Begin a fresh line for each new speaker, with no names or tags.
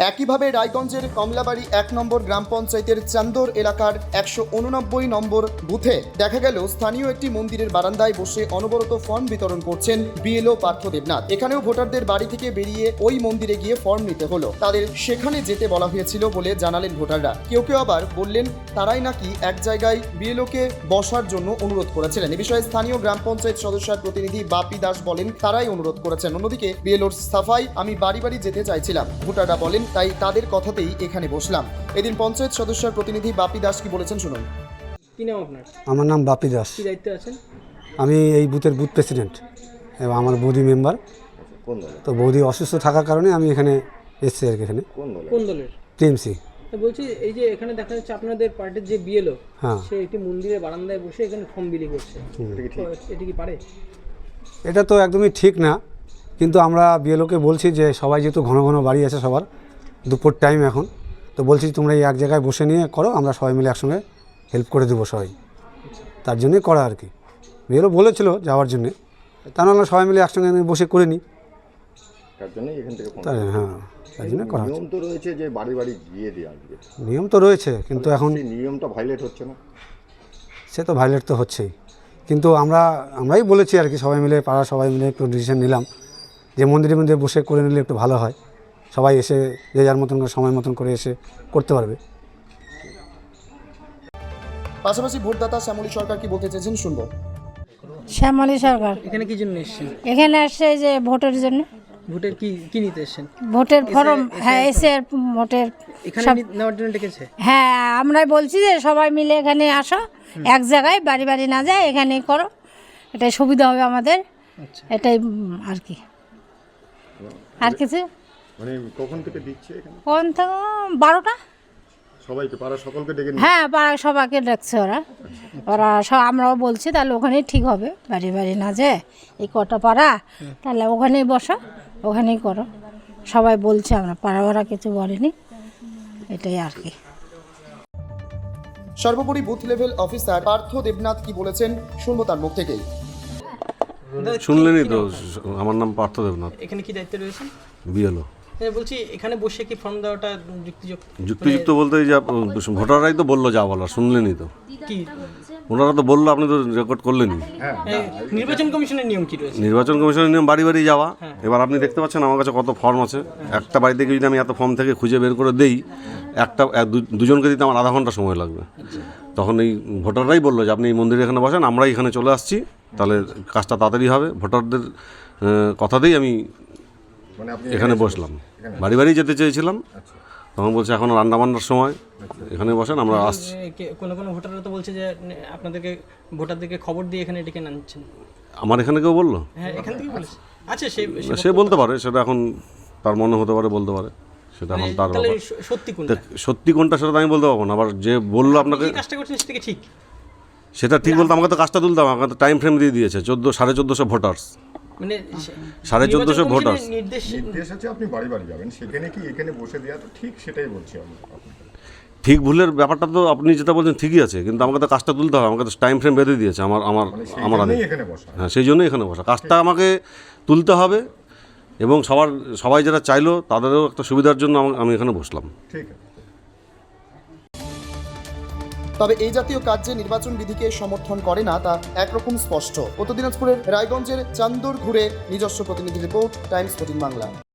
একইভাবে রায়গঞ্জের কমলাবাড়ি 1 নম্বর গ্রাম পঞ্চায়েতের চান্দর এলাকার 189 নম্বর বুথে দেখা গেল স্থানীয় একটি মন্দিরের বারান্দায় বসে অনবরত ফর্ম বিতরণ করছেন বিএলও পার্থ দেবনাথ। এখানেও ভোটারদের বাড়ি থেকে বেরিয়ে ওই মন্দিরে গিয়ে ফর্ম নিতে হলো। তাদের সেখানে যেতে বলা হয়েছিল বলে জানালেন ভোটাররা। কেউ কেউ আবার বললেন তারাই নাকি এক জায়গায় বিএলওকে বসার জন্য অনুরোধ করেছিলেন। এ বিষয়ে স্থানীয় গ্রাম পঞ্চায়েত সদস্যের প্রতিনিধি বাপি দাস বলেন তারাই অনুরোধ করেছেন। অন্যদিকে বিএলওর সাফাই আমি বাড়ি বাড়ি যেতে চাইছিলাম, ভোটাররা বলেন তাই তাদের কথাতেই এখানে বসলাম। এদিন পঞ্চায়েত সদস্যের প্রতিনিধি বাপি দাস কি বলেছেন শুনুন।
কি নাম আপনার?
আমার নাম বাপি দাস।
কি দায়িত্বে আছেন?
আমি এই বুথের বুথ প্রেসিডেন্ট এবং আমার বৌদি মেম্বার। তো বৌদি অসুস্থ থাকার কারণে আমি এখানে এসেছি আর কি। এখানে
কোন দলের?
টিএমসি।
বলছি এই যে এখানে দেখা যাচ্ছে আপনাদের পার্টির যে বিএলও,
হ্যাঁ,
সে একটি মন্দিরের বারান্দায় বসে এখানে ফর্ম বিলি করছে, এটা কি পারে?
এটা তো একদমই ঠিক না, কিন্তু আমরা বিএলওকে বলছি যে সবাই যেহেতু ঘন ঘন বাড়ি আছে সবার, দুপুর টাইম এখন, তো বলছি তোমরা এই এক জায়গায় বসে নিয়ে করো, আমরা সবাই মিলে একসঙ্গে হেল্প করে দেবো সবাই। তার জন্যই করা আর কি। বিএলও বলেছিল যাওয়ার জন্যে, তা নাহলে সবাই মিলে একসঙ্গে বসে করে নিই।
তার জন্যই এখান থেকে
হ্যাঁ, তার জন্য করা হচ্ছে।
নিয়ম তো রয়েছে যে বাড়ি বাড়ি গিয়ে দিয়ে আসবে,
নিয়ম তো রয়েছে, কিন্তু এখন
সেই নিয়মটা ভাইলেট হচ্ছে না।
সে তো ভায়োলেট তো হচ্ছেই, কিন্তু আমরাই বলেছি আর কি, সবাই মিলে পাড়া সবাই মিলে একটু ডিসিশন নিলাম যে মন্দিরে মন্দিরে বসে করে নিলে একটু ভালো হয়। সবাই এসে যে যার মতন করে সময় মতন করে এসে করতে পারবে।
পাশাপাশি ভোটদাতা শ্যামলী সরকার কি বলতে চেয়েছেন শুনবো।
শ্যামলী সরকার
এখানে কি জন্য এসেছেন?
এখানে আসছে যে ভোটের জন্য,
ভোটের কি নিতে এসেছেন?
ভোটের ফর্ম। হ্যাঁ, এসে ভোটের
এখানে নেওয়ার জন্য ডেকেছে?
হ্যাঁ, আমরাই বলছি যে সবাই মিলে এখানে আসো, এক জায়গায় বাড়ি বাড়ি না যায় এখানেই করো, এটাই সুবিধা হবে আমাদের।
আচ্ছা,
এটাই আর কি, আর কিছু।
মানে কখন থেকে দিচ্ছে এখানে?
কোন থেকে 12টা।
সবাইকে পাড়া সকলকে ডেকে নিয়ে?
হ্যাঁ, পাড়া সবাইকে ডাকছে ওরা সব। আমরাও বলছি তাহলে ওখানেই ঠিক হবে, বাড়ি বাড়ি না যায় এই কটা পাড়া, তাহলে ওখানেই বসো, ওখানেই করো, সবাই বলছে। আমরা পাড়া ভাড়া কিছু বলেনি, এটাই আর কি।
সর্বোপরি booth level officer Partha Debnath কি বলেছেন শুনবো তার মুখ থেকেই।
শুনলেনই তো, আমার নাম পার্থ দেবনাথ,
এখানে কি দায়িত্বে রয়েছেন?
বিএলও।
বলছি এখানে বসে কি ফর্ম দেওয়াটা
যুক্তিযুক্ত বলতে যা ভোটাররাই তো বললো যা বলার, শুনলেনই তো।
কি
ওনারা তো বললো, আপনি তো রেকর্ড করলেনই।
নির্বাচন কমিশনের নিয়ম কি রয়েছে?
নির্বাচন কমিশনের নিয়ম বাড়ি বাড়ি যাওয়া। এবার আপনি দেখতে পাচ্ছেন আমার কাছে কত ফর্ম আছে। একটা বাড়ি থেকে যদি আমি এত ফর্ম থেকে খুঁজে বের করে দেই, দুজনকে দিতে আমার আধা ঘন্টা সময় লাগবে। তখন এই ভোটাররাই বললো যে আপনি এই মন্দিরে এখানে বসেন, আমরাই এখানে চলে আসছি, তাহলে কাজটা তাড়াতাড়ি হবে। ভোটারদের কথাতেই আমি এখানে বসলাম। বাড়ি বাড়ি যেতে চেয়েছিলাম, তখন বলছে এখন রান্নাবান্নার সময়, এখানে বসেন, আমরা আসছি।
কোনো ভোটাররা তো বলছে যে আপনাদেরকে ভোটারদেরকে খবর দিয়ে এখানে ডেকে আনছেন।
আমার এখানে কেউ বললো?
হ্যাঁ, এখান থেকে বলেছে। আচ্ছা,
সে বলতে পারে, সেটা এখন তার মনে হতে পারে, বলতে পারে, সেটা এখন তার ব্যাপার। সত্যি কোনটা সেটা আমি বলতে পারবো না। আবার যে বললো আপনাকে
কাজটা করছেন সেটা ঠিক,
সেটা ঠিক বলতে আমাকে তো কাজটা তুলতে হবে। আমাকে তো টাইম ফ্রেম দিয়ে দিয়েছে 1450 ভোটার্স,
মানে
1450 ভোটার্স।
নির্দেশ আছে আপনি বাড়ি বাড়ি যাবেন, সেখানে কি এখানে বসে দেওয়া তো ঠিক, সেটাই বলছি আমি।
ঠিক ভুলের ব্যাপারটা তো আপনি যেটা বলছেন ঠিকই আছে, কিন্তু আমাকে তো কাজটা তুলতে হবে। আমাকে তো টাইম ফ্রেম বেঁধে দিয়েছে আমার আগে।
এখানে বসা,
হ্যাঁ, সেই জন্যই এখানে বসা। কাজটা আমাকে তুলতে হবে, এবং সবাই যারা চাইলো তাদেরও একটা সুবিধার জন্য আমি এখানে বসলাম।
ঠিক আছে।
তবে এই জাতীয় কাজ যে নির্বাচন বিধিকে সমর্থন করে না তা একরকম স্পষ্ট। উত্তর দিনাজপুরের রায়গঞ্জের চান্দর ঘুরে নিজস্ব প্রতিনিধি রিপোর্ট, টাইমস 14 বাংলা।